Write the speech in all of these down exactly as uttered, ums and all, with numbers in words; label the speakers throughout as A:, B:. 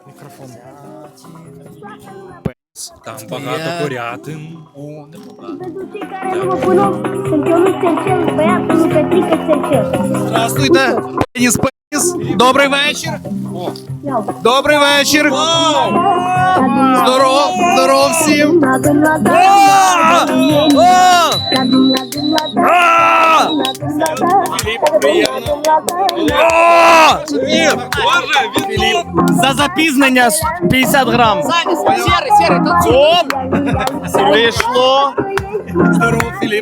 A: Мікрофон.
B: Там багато курятин.
A: О, непогано.
C: Ведучий Карелова Пунов, чемпіонат Черчес, Беатон, Петріка Черчес.
A: Здравствуйте, Пеніс Пеніс. Добрий вечір. О. Добрий вечір. Здоров, здоров всім.
B: Філіп,
D: За запізнення п'ятдесят грам.
A: Серий, серий,
D: Оп! Вийшло.
A: Здоров, Філіп.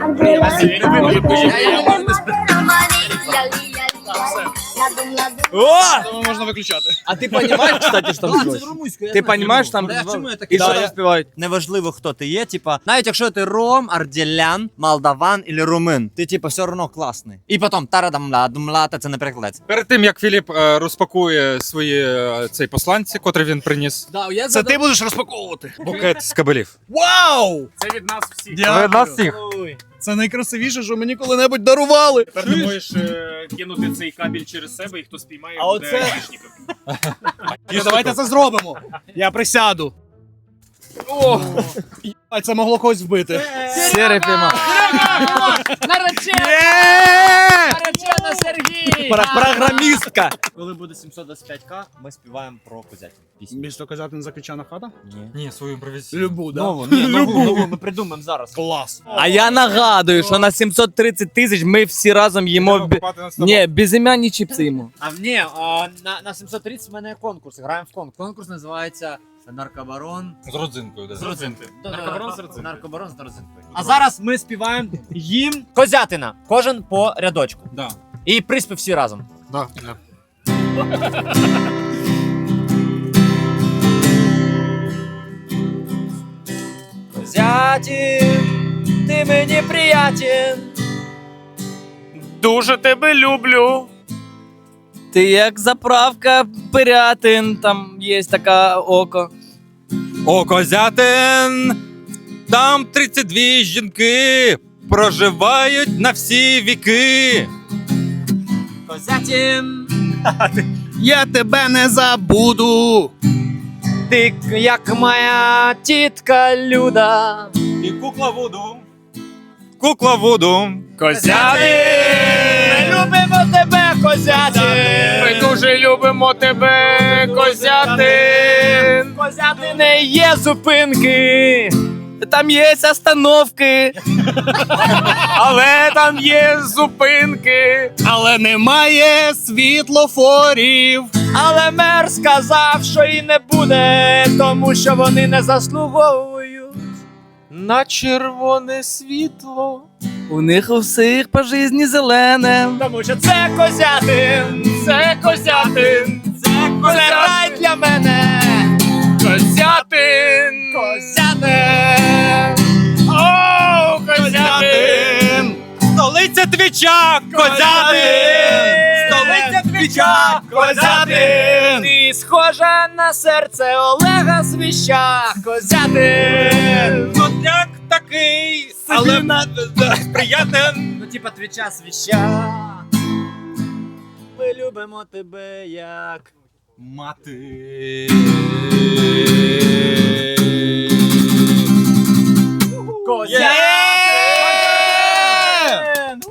D: О!
A: Можна виключати.
D: А ти розумієш, кстати, що там співають? Ти розумієш, там і що там співають?
E: Неважливо, хто ти є, типа, навіть якщо ти ром, арділян, молдаван або румин, ти типа все одно класний. І потім тарадамла, думлата, це не перекладається.
B: перед тим як Філіп е, розпакує свої е, цей посланці, котрий він приніс,
D: Да, я
A: Це ти будеш розпаковувати.
B: букет з кабелів.
A: Вау!
F: Це від нас всіх.
A: Дякую.
B: Від нас всіх.
A: Це найкрасивіше, що мені коли-небудь дарували.
F: Тепер ти можеш е, кинути цей кабель через себе, і хто спіймає,
D: А
F: буде
D: оце-
F: айдішником.
A: Ну, давайте це зробимо. Я присяду. О, а це могло когось вбити.
D: Сірий піймав.
G: Наречена!
A: Є!
G: Наречена Сергій!
D: Програмістка.
E: Коли буде сімсот двадцять п'ять ка, ми співаємо про козятин. Пісню.
A: Місто Козятин закричана хата?
E: Ні.
B: Ні, свою імпровізацію.
A: Любу, да?
E: Нову, ні, нову, нову, ми придумаємо зараз.
A: Клас.
D: А я нагадую, що на сімсот тридцять тисяч ми всі разом їмо... бі- Ні, безім'яні чіпси їмо.
E: А ні, а, на, на сімсот тридцять в мене є конкурс, граємо в конкурс. Конкурс називається Наркобарон
B: З родзинкою, да.
E: з родзинкою.
F: Наркобарон з родзинкою.
E: Наркобарон з родзинкою. А зараз ми співаємо їм козятина, кожен по рядочку.
B: Да.
E: І приспів всі разом.
B: Да, да.
E: Козятин, ти мені приятен.
F: Дуже тебе люблю.
D: Ти як заправка Пирятин, там є така око.
B: О, Козятин! Там тридцять дві жінки проживають на всі віки.
E: Козятин,
A: Я тебе не забуду.
E: ти як моя тітка Люда.
B: І кукла воду. Кукла воду.
E: Козятин, ми любимо тебе, Козятин.
F: Ми дуже любимо тебе, Козятин.
E: Козятине є зупинки.
D: Там є остановки.
F: Але там є зупинки.
A: Але немає світлофорів.
E: Але мер сказав, що і не буде, тому що вони не заслуговують на червоне світло.
D: У них у всіх по житті зелене.
E: Тому що це Козятин, це Козятин, це рай для мене.
F: Козятин.
E: Козятин,
F: О, Козятин.
B: Столиця Твіча! Козятин!
E: столиця Твіча, Козятин. Ти схожа на серце Олега Свіща, Козятин.
B: Як такий, але приятен.
E: Ну, типа Твіча Свіща. Ми любимо тебе як
B: Мати.
E: Козятин!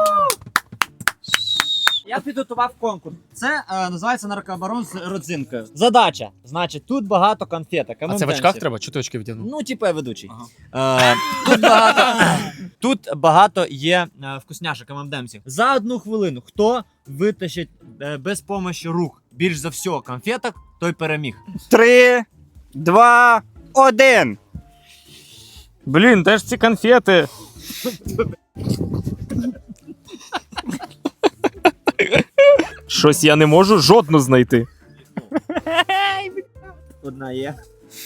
E: Я підготував конкурс. Це е, називається наркобарон з родзинкою. Задача. Значить, тут багато конфеток.
B: А це в очках треба? Чого ти очки вдягнув?
E: Ну, типу, я ведучий. Е, тут, багато, тут багато є е, вкусняшок ем ем демсів. За одну хвилину, хто витащить е, без помощі рук більш за все конфеток, той переміг.
D: Три, два, один.
F: Блін, де ж ці конфети? Щось я не можу жодну знайти.
E: Одна є.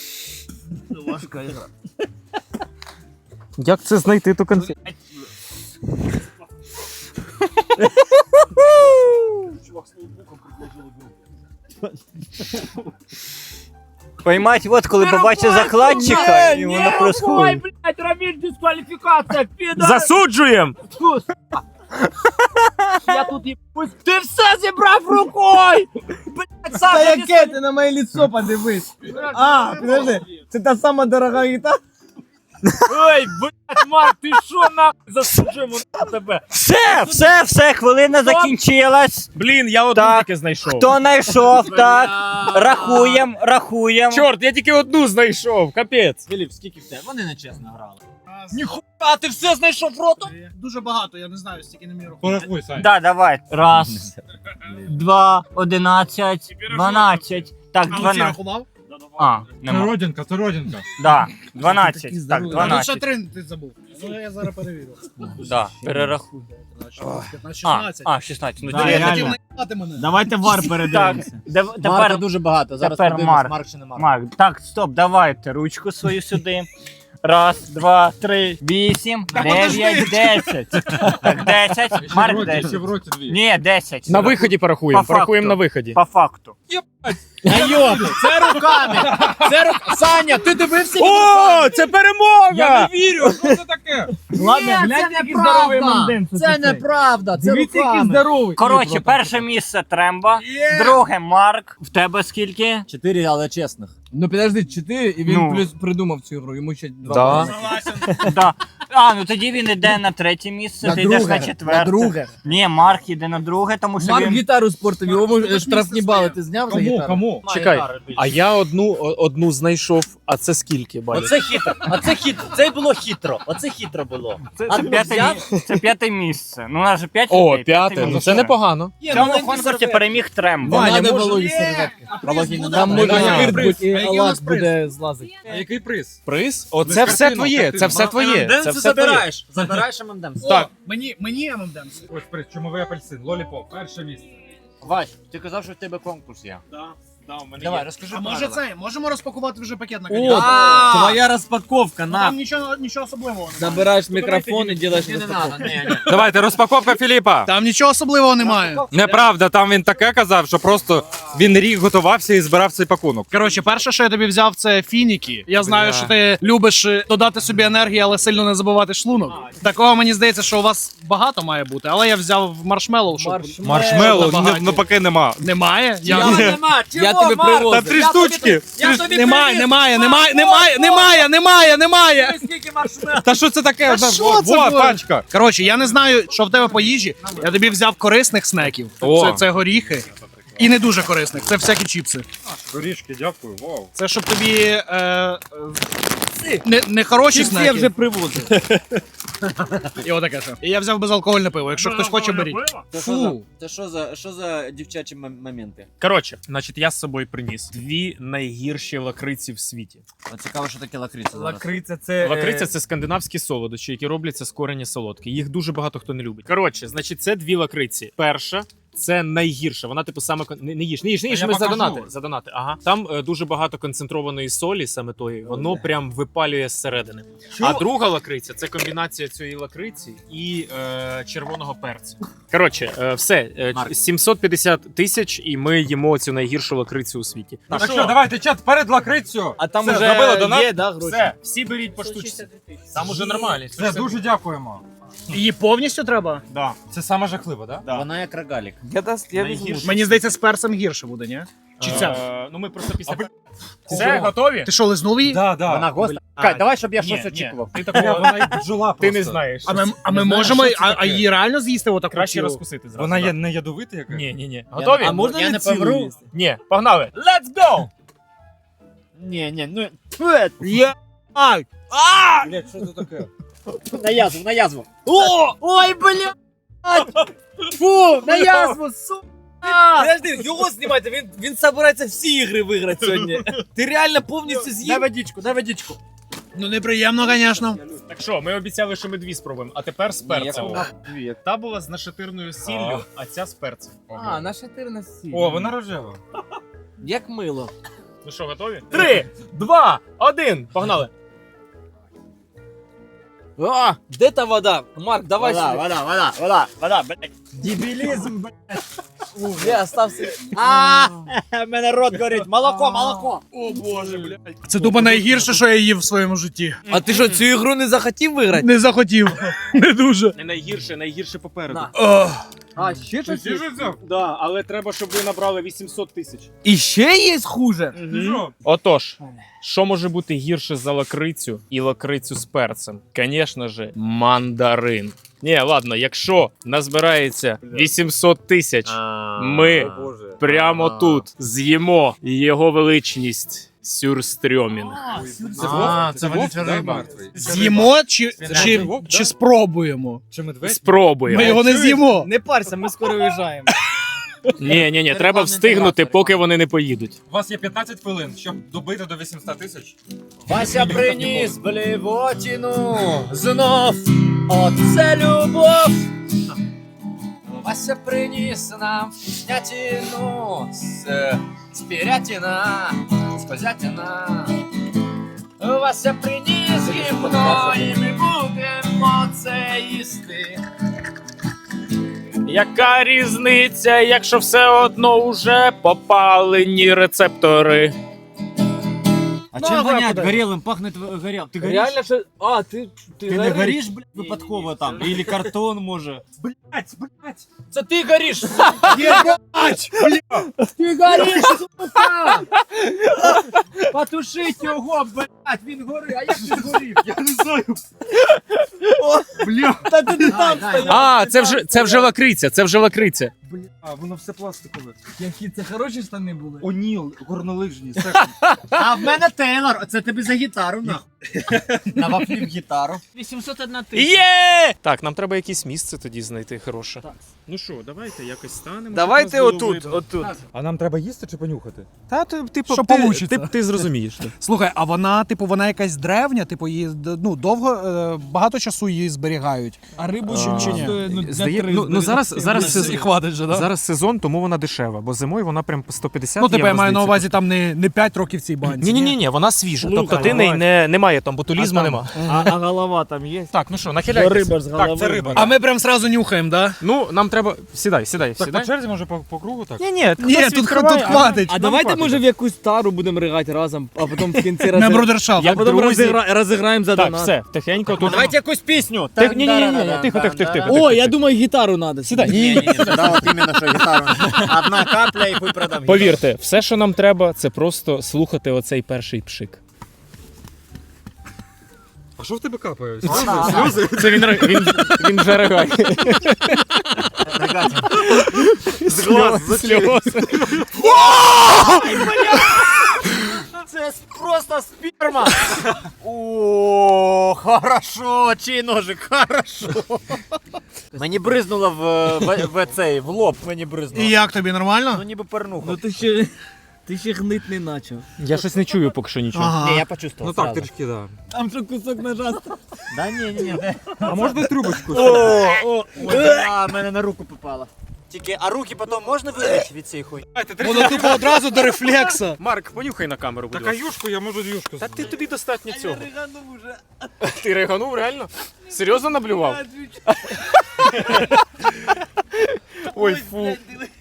F: Як це знайти ту конфету?
D: Поймать, от коли побачив закладчика, і воно
G: Ой,
D: происходить.
G: блядь, Рамиль, дисквалификация, пидор!
F: Засуджуєм!
G: Я тут їбусь. Ти все зібрав рукою! Блядь,
D: Та
G: Саша, ти
D: яке ти на моє лицо подивись? А, подожди, це та сама дорога гітара?
G: Ой, блядь, Марк, ти що нахуй засуджуємо на тебе?
F: Все, все, все, хвилина закінчилась.
H: Блін, я одну
F: Так.
H: тільки знайшов.
F: Хто знайшов, так. Рахуєм, рахуєм.
H: Чорт, я тільки одну знайшов, капець.
E: Філіп, скільки в тебе? Вони нечесно грали.
G: А ти все знайшов ротом?
A: Дуже багато, я не знаю, стільки не міру.
B: Порахуй, Сань.
F: Да, давай. Раз, два, одинадцять, дванадцять. Так,
A: А оці
F: дванадцять.
A: рахував?
F: А,
B: Це
F: нема.
B: родинка, це родинка.
F: Да, дванадцять. Так,
A: А тут ще
F: дванадцять.
A: три ти забув. Ну я зараз перевірю.
F: Да, перерахуй.
A: п'ятнадцять,
F: А,
A: шістнадцять.
F: а, шістнадцять. Ну,
E: Да,
A: Я
F: дивись.
E: реально.
A: хотів наїбати мене.
E: Давайте вар
F: Так,
E: передивимося.
F: дев-
E: Марка
F: тепер
E: дуже багато. Зараз
F: тепер
E: подивимось,
F: Марк.
E: Марк чи не Марк.
F: Марк. Так, стоп, давайте ручку свою сюди. Раз, два, три, вісім, дев'ять, десять. Так, десять. Марк
B: Ще в
F: десять.
B: роті дві.
F: Ні, десять.
H: На виході порахуємо,
F: По факту.
H: порахуємо на виході.
F: По факту.
G: Айо, це руками. Це рук... Саня, ти дивився?
H: О, це перемога!
B: Я не вірю, що це таке?
G: Ладно, глянь, який здоровий мандин. Це неправда, це руками.
D: здоровий.
F: Коротше, перше місце Тремба, друге Марк. В тебе скільки?
E: Чотири, але чесних.
D: Ну підожди, чотири, і він
F: Ну.
D: плюс придумав цю гру, йому ще два.
H: Да.
D: бали.
F: Да. А, ну тоді він йде на третє місце,
D: На
F: ти йдеш
D: друге,
F: на четверте.
D: на друге.
F: Ні, Марк йде на друге, тому що
D: Марк
F: він...
D: гітару спортив, йому е, штрафні бали ти зняв за
B: Кому,
D: гітару?
B: кому?
H: Чекай, а я одну, о- одну знайшов, а це скільки балів?
E: Оце хитро. Оце хитро. Це було хитро. Оце хитро було.
F: Це,
E: А
F: це,
E: ну,
F: п'яте,
E: взяв?
F: мі- це п'яте місце. Ну, у нас же п'ять
H: О,
F: людей,
H: п'яте, ну
F: місце.
H: це непогано.
F: В цьому конкурсі переміг Тремба.
D: Ваня,
H: Ваня,
D: може...
H: може-
D: Вологі серветки.
E: Вологі не
D: Там
E: надо.
D: може
H: Ваня,
D: спирт
A: приз.
D: бути,
A: А
D: і
A: який у нас
D: Алак
A: приз?
D: буде злазити.
B: А який приз?
H: Приз? Оце
B: Без
H: все
B: картинок,
H: твоє,
B: картинок.
H: це все твоє. Це все твоє.
E: забираєш. Забираєш ММДМ.
A: Так. Мені, мені ем ем Демс.
B: Ось приз, чумовий апельсин, лоліпоп, перше місце.
E: Вась, ти казав, що в тебе конкурс є. Давай, розкажи
A: А може
E: правила.
A: це, можемо розпакувати вже пакет на
D: О,
A: конець?
D: твоя розпаковка,
A: Ну,
D: на.
A: там нічого, нічого особливого немає.
D: Забираєш мікрофон і робиш
E: Не, не
D: розпаковку.
E: надо, не, не.
B: Давайте, розпаковка Філіпа.
A: Там нічого особливого немає.
B: Неправда, там він таке казав, що просто він рік готувався і збирав цей пакунок.
A: Коротше, перше, що я тобі взяв, це фініки. Я знаю, що ти любиш е, додати собі енергії, але сильно не забувати шлунок. Такого мені здається, що у вас багато має бути, але я взяв маршмеллоу, щоб
B: Маршмеллоу,
A: Набагато.
B: ну поки нема.
A: немає. Я...
E: Чого нема? Чого,
D: Я тобі
E: Марк?
D: привозив.
B: Та три штучки.
E: Я тобі
A: Немає,
E: привіз.
A: немає, немає, немає, немає, немає, немає.
E: Скільки маршмеллоу?
B: Та що це таке?
A: Та що
B: Во,
A: це
B: во,
A: було?
B: пачка.
A: Коротше, я не знаю, що в тебе по їжі. Я тобі взяв корисних снеків.
B: О.
A: Це, це горіхи. І не дуже корисних, це всякі чіпси.
B: Горішки, дякую, вау.
A: Це щоб тобі е, е, не, не хороші
D: Чіпси
A: снеки.
D: я вже привозив.
A: І отаке що. І я взяв безалкогольне пиво. Якщо хтось хоче, беріть.
D: Фу.
E: Це що за, що за дівчачі м- моменти?
H: Коротше, значить, я з собою приніс дві найгірші лакриці в світі.
E: От цікаво, що таке лакриця зараз.
D: Лакриця це...
H: Лакриця це скандинавські солодощі, які робляться з корені солодкі. Їх дуже багато хто не любить. Коротше, значить, це дві лакриці. Перша. Це найгірша. Вона, типу, саме кон- не, не їж, не їж, не їж,
B: я
H: ми
B: покажу.
H: задонати. Задонати. Ага. Там е, дуже багато концентрованої солі, саме тої, воно прям випалює зсередини. А друга лакриця це комбінація цієї лакриці і е, червоного перцю. Коротше, е, все, е,
E: Марк.
H: сімсот п'ятдесят тисяч, і ми їмо цю найгіршу лакрицю у світі.
B: Так що, давайте, чат, перед лакрицю.
D: А там
B: Все,
D: уже
B: зробили донат?
D: є, да, гроші?
H: Все, всі беріть по штучці. Там уже нормально.
B: Все, дуже дякуємо.
A: Її повністю треба?
H: Да.
B: Це саме жахливо, так?
H: Да.
E: Вона як рогалік.
D: Я, даст, я візьму.
H: Найгірше.
A: Мені здається, з перцем гірше буде, ні? Чи ця?
H: Е, ну ми просто після...
B: А ви-
H: Все, готові?
A: Ти що, лизнув її?
B: Да, да.
E: Вона гостра.
H: А,
E: Чекай, давай, щоб я
H: ні,
E: щось
H: ні.
E: очікував.
H: Ти
B: Вона-
H: такого
B: Вона як бджола
H: ти не
B: просто.
H: знаєш.
A: А ми, а ми
B: Не знаю,
A: можемо,
B: що це
A: а, а
B: таке.
A: її реально з'їсти отаку?
H: Краще
A: цілу?
H: розкусити зразу.
B: Вона
H: да.
B: є не ядовита яка?
H: Ні, ні, ні. Готові?
D: А можна
E: Я
D: не
E: не
D: цілу
E: помру?
D: їсти?
H: Ні, погнали. Let's go!
E: Ні, ні, ну...
D: Є. Ай!
B: Блять, що це таке?
E: На язву, на язву. О! Ой, бля! Фу, на язву, сука!
D: Подожди, його знімайте, він, він собирається всі ігри виграти сьогодні. Ти реально повністю
E: Дай
D: з'їв?
E: водичку, дай водичку.
A: Ну неприємно, звісно.
H: Так що, ми обіцяли, що ми дві спробуємо, а тепер з перцем. Та була з нашатирною сіллю, а ця з перцем.
D: А, наша тирна сіль.
B: О, вона рожева.
D: Як мило.
H: Ну що, готові? Три, два, один, погнали.
D: А, де та вода? Марк, давай
E: Вода,
D: сюди.
E: вода, вода, вода, вода, блядь. Дебілізм, блядь.
D: Я остався.
E: А, в мене рот горить. Молоко, молоко.
A: Це тупо найгірше, що я їв в своєму житті.
D: А ти що, цю ігру не захотів виграти?
A: Не захотів. Не дуже.
H: Не найгірше, найгірше попереду.
D: На.
A: Ох.
D: А, ще щось є?
H: Да, але треба, щоб ви набрали вісімсот тисяч.
D: І ще є хуже?
H: Отож, що може бути гірше за лакрицю і лакрицю з перцем? Звісно ж, мандарин. Ні, ладно, якщо назбирається вісімсот тисяч, ми прямо тут з'їмо його величність сюрстрьомінг.
B: А, це водича риба.
A: З'їмо чи, чи,
B: вовк, да?
A: чи спробуємо?
B: Чи медведь?
H: Спробуємо.
A: Ми його не з'їмо.
D: Не парся, ми скоро виїжджаємо.
H: Ні, ні, ні, треба встигнути, поки вони не поїдуть.
B: У вас є п'ятнадцять хвилин, щоб добити до вісімсот тисяч.
D: Вася приніс блівотіну знов. Оце любов. Вася приніс нам вкуснятину з, з пірятіна, з козятіна. Вася приніс гімно, і ми будемо це їсти.
H: Яка різниця, якщо все одно уже попалені рецептори?
E: А
D: Ну,
E: чим
D: давай,
E: вонять?
D: подай.
E: Горілим пахнет горел. Ти гориш?
D: Реально, що... А, ти... Ти,
E: Ти не гориш, блядь, випадково там? Или картон, може?
G: Блять, блять.
D: Це ти гориш!
G: Ти гориш, сука! Потушить його, блять, він горить, а як він горів? Я не знаю.
D: Та ти не там стояв!
H: А, це вже, це вже лакриця, це вже лакриця.
B: А, воно все пластикове.
D: Які це хороші штани були?
B: Оніл, горнолижні,
E: А в мене Тейлор, це тобі за гітару, нахуй. Навафлів гітару.
D: вісімсот одна тисяча.
H: Є! Так, нам треба якесь місце тоді знайти хороше. Ну що, давайте якось станемо.
D: Давайте
H: щоб нас було
D: отут,
H: видно.
D: отут.
B: А нам треба їсти чи понюхати?
H: Та, ти, типу,
A: Що
H: ти,
A: получиться.
H: ти, ти зрозумієш.
A: Слухай, а вона, типу, вона якась древня, типу, її ну, довго, е, багато часу її зберігають.
D: А рибу
H: А,
A: чи ні?
H: Здає- ну, ну, зараз, зараз,
A: І
H: сез-
A: хватить же, да?
H: зараз сезон, тому вона дешева, бо зимою вона прям по сто п'ятдесят
A: Ну, типу, я
H: євро,
A: маю на
H: здається,
A: увазі там не, не п'ять років в цій банці.
H: Ні, ні, ні, ні, вона свіжа.
D: Слухай,
H: тобто ти не,
D: давай.
H: не, немає там ботулізму, нема.
D: А, а голова там є?
H: Так, ну що, нахиляйтесь.
D: Риба з голови.
B: Так, це риба.
A: А ми прям сразу нюхаємо, да?
H: Ну, нам треба. Сідай, сідай,
B: Так, по
H: сідай.
B: черзі, може, по, по кругу так?
H: Ні, ні,
A: Ні,
H: хтось
A: тут,
H: відкриває,
A: тут
H: а-
A: хватить.
D: А давайте, може, в якусь тару будемо ригати разом, а потім в кінці
A: На
D: розіграємо.
A: брудершафт.
H: Як
D: А потім
H: друзі.
D: розігра- розіграємо за
H: Так,
D: донат.
H: все, тихенько тут.
E: Давайте якусь пісню.
H: Тих- ні, ні, ні, ні, тихо, тихо, тихо, тихо.
D: О, я думаю, гітару треба.
H: Сідай.
E: Ні, ні, ні, да, от іменно, що гітару. Одна капля і хуй продам.
H: Повірте, все, що нам треба, це просто слухати оцей перший пшик.
B: А що в тебе капає?
H: Це він, ри- він, він вже ригає.
E: З глаз,
H: Сльози.
E: Це просто сперма. О, хорошо, чий ножик, хорошо. Мені бризнуло в, в, в цей, в лоб мені бризнуло.
A: І як тобі, нормально?
E: Ну ніби пернуха.
D: Ну ти ще, ти ще гнить не начав.
H: Я щось не чую поки що нічого.
A: Ага.
E: Ні, я почувствував.
B: Ну так,
E: сразу.
B: трішки, да.
D: Там що кусок ножа.
E: Да ні, ні, ні.
B: А можна трубочку?
E: О, о, ой, а, мене на руку попало. Тільки, а руки потім можна вилити від цієї хуйні?
A: Воно тупо одразу до рефлекса.
H: Марк, понюхай на камеру, будь
B: Так, а
H: ласка.
B: юшку, я можу юшку.
H: Та ти тобі достатньо цього.
D: риганув уже.
H: Ти реганув реально? Серйозно наблював? Ой, фу.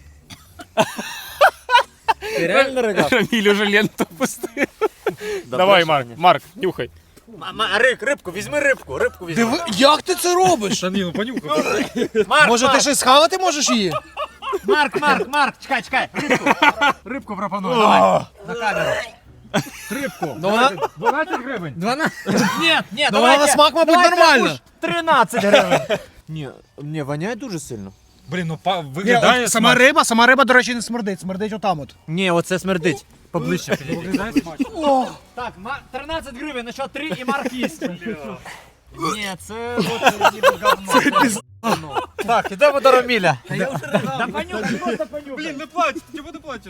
E: Ти реально ригав?
H: Раміль уже ленту пустив. Давай, Марк, Марк, нюхай.
E: Рик, рибку, візьми рибку, рибку візьми.
A: Диви, як ти це робиш?
B: Та ні, ну понюхай.
E: Марк,
A: Може, ти
E: Марк,
A: щось схавати можеш її?
E: Марк, Марк, Марк, чекай, чекай, рибку. Рибку пропоную, давай, на камеру. Рибку.
A: Ну, вона,
B: дванадцять гривень.
E: Ні, ні,
A: ну, вона на смак, мабуть, нормально.
E: тринадцять гривень. Ні, ні, воняє дуже сильно.
B: Блін, ну па-
A: Ні,
B: виглядає
A: от сама риба, сама риба, до речі, не смердить, смердить отам от.
E: Ні, оце смердить. Поближче. підійди.
B: Виглядає смачно.
E: Так, ма- тринадцять гривень, на що три і Марк їсть. Ні, це от ніби говно. Так, ідемо до Роміля. Да понюхай, просто понюхай.
B: Блін, не плач, чого ти плачеш?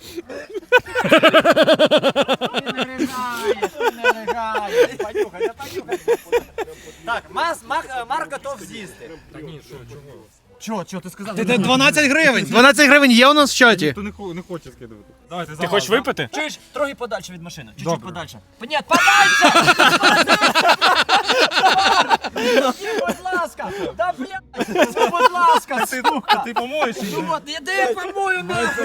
E: Ти не ригаєш, ти не ригаєш. Понюхай, да понюхай. Так, Мас, Мак, Марк готов з'їсти.
B: Та ні, що, чого?
E: Чого, чого ти сказав?
A: Ти- ти дванадцять гривень. дванадцять гривень є у нас в чаті.
B: Ніхто не, хо- не хоче скидувати. Давайте,
H: Ти хочеш випити?
E: Чуєш, трохи подальше від машини. Чуть-чуть
B: Добре.
E: подальше. Ні, подальше! Будь ласка! Да блядь! Ну, будь ласка, сука!
B: Ти помоєш?
E: Ну от, іди я помою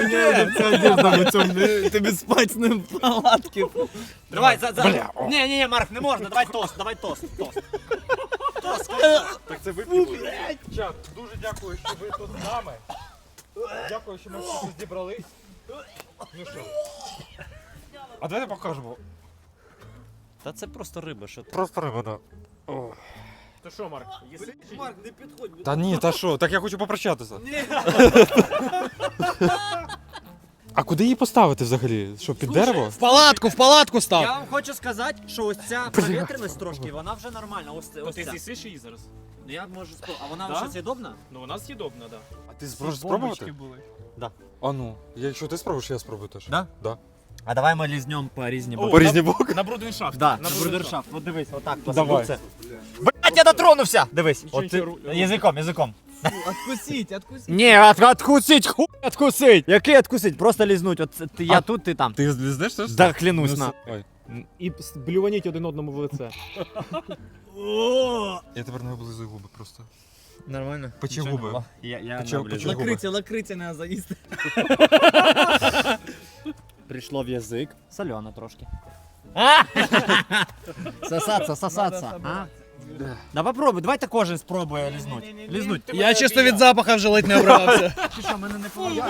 E: нахуй!
D: Тобі спать з ним в палатки.
E: Давай, за, за. Ні, ні, ні, Марк, не можна, давай тост, давай тост, тост.
B: Так це вип'ємо. Чат, дуже дякую, що ви тут з нами. Дякую, що ми всі тут зібрались. Ну що? А давайте покажемо.
E: Та це просто риба, що ти?
B: Просто риба, да.
H: То що, Марк?
D: Марк, не підходь.
B: Та ні, та що, так я хочу попрощатися. А куди її поставити взагалі? Що, під дерево?
A: В палатку, в палатку став.
E: Я вам хочу сказати, що ось ця провітряність трошки, вона вже нормальна. Ось, це- ось
H: Ти
E: ця.
H: з'їсиш її зараз?
E: Ну, я можу спробувати. А вона
H: Да?
E: вже з'їдобна?
H: Ну вона з'їдобна, так.
B: А ти зможеш спробувати?
A: були.
B: А ну, якщо ти спробуєш, я спробую теж.
E: Да?
B: Да.
E: А давай ми лізнем по різні боки.
B: По різні боки?
H: На брудершафт.
E: Да, на брудершафт. От дивись, отак
B: Давай.
E: посаду це. Блять, я дотронувся! Дивись,
H: Нічого,
E: от ти,
H: нічого, ру-
E: язиком, язиком.
D: Откусіть, откусіть.
E: Ні, от, откусить, хуй откусить. Який откусить? Просто лізнуть. От це ти, я
B: А
E: тут, ти там.
B: Ти злізнеш теж?
E: Да, клянусь
B: Ну,
E: на.
B: с- Ой,
H: І блюваніть один одному в лице.
B: я тепер не облизую губи просто.
E: Нормально.
B: Печі губи.
E: Я, я
B: Почав-
E: не оближу.
B: почав.
D: Лакриця, лакриця не заїсти.
E: Прийшло в язик. Сольоно трошки. Сосаться, сосаться. А? Да попробуй, давайте кожен спробує лізнуть. Лізнуть.
A: Я чисто від запаха вже ледь не обривався.
E: Ти що, мене не поважає?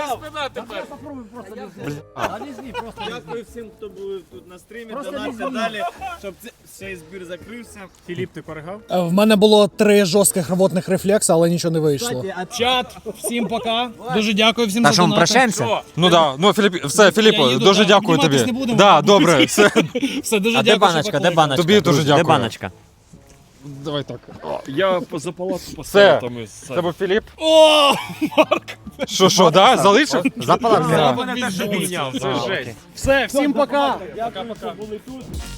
E: А лізні, просто лізні.
D: Дякую всім, хто був тут на стрімі.
E: Просто
D: Донатьте
E: лізні.
D: далі, щоб це- цей збір закрився.
H: Філіп, ти поригав?
A: В мене було три жорстких рвотних рефлекси, але нічого не вийшло.
E: Кстати, а
A: Чат, всім пока. Дуже дякую всім
E: Та
A: за
E: що, ми
A: донати.
E: прощаємося?
B: Ну да, ну Філіп, все, Філіппо,
A: їду,
B: дуже
A: да.
B: дякую
A: Обніматись
B: тобі.
A: не будемо,
B: Да,
A: мабуть.
B: добре, все.
A: Все, дуже
E: А де
A: дякую, що
E: баночка, де
A: покликали.
E: баночка?
B: Тобі дуже
E: Де
B: дякую.
E: баночка?
G: Давай так. Я поза палатку
B: Все.
G: поставив там із.
B: Це був Філіп.
A: О!
B: Що, що, да, залишив?
E: За палаткою.
H: Мене теж обійняв, це
E: А,
H: жесть.
E: окей.
A: Все, всім пока.
G: Дякую, що були тут.